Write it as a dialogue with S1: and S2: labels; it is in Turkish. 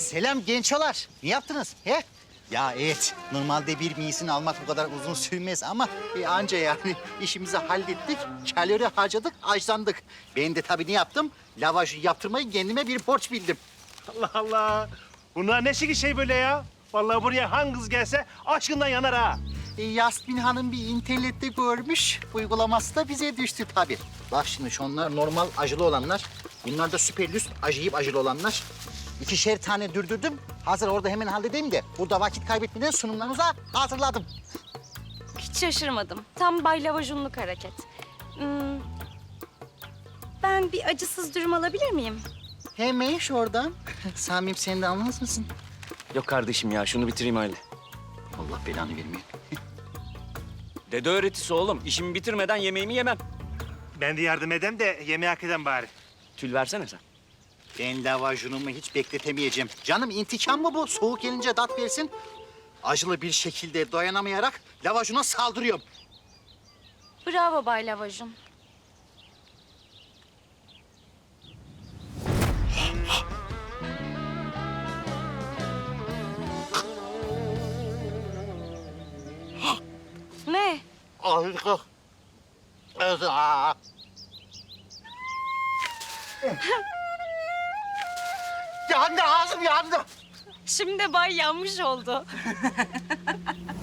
S1: Selam gençolar. Ne yaptınız? He? Ya evet, normalde bir miyisini almak bu kadar uzun sürmez ama anca yani işimizi hallettik, kalori harcadık, açlandık. Ben de tabii ne yaptım? Lavajı yaptırmayı kendime bir borç bildim.
S2: Allah Allah. Bunlar ne şekil şey böyle ya? Vallahi buraya hangi kız gelse aşkından yanar ha.
S1: Yasmin Hanım bir internette görmüş, uygulaması da bize düştü tabii. Bak şimdi şunlar normal acılı olanlar, bunlar da süper lüks acıyıp acılı olanlar. 2'şer tane dürdürdüm, hazır orada hemen halledeyim de burada vakit kaybetmeden sunumlarınıza hazırladım.
S3: Hiç şaşırmadım. Tam Bay Lavajunluk hareket. Ben bir acısız dürüm alabilir miyim?
S1: Hemen şuradan. Samim sen de almaz mısın?
S4: Yok kardeşim ya şunu bitireyim öyle.
S1: Allah belanı vermiyor.
S4: Dede öğretisi oğlum. İşimi bitirmeden yemeğimi yemem.
S2: Ben de yardım edem de yemeği hak eden bari.
S4: Tül versene sen.
S1: Ben lavajunumu hiç bekletemeyeceğim. Canım intikam mı bu? Soğuk gelince tat versin. Acılı bir şekilde dayanamayarak lavajuna saldırıyorum.
S3: Bravo Bay Lavajun. Ne?
S1: Harika. Yandı ağzım yandı.
S3: Şimdi Bay yanmış oldu.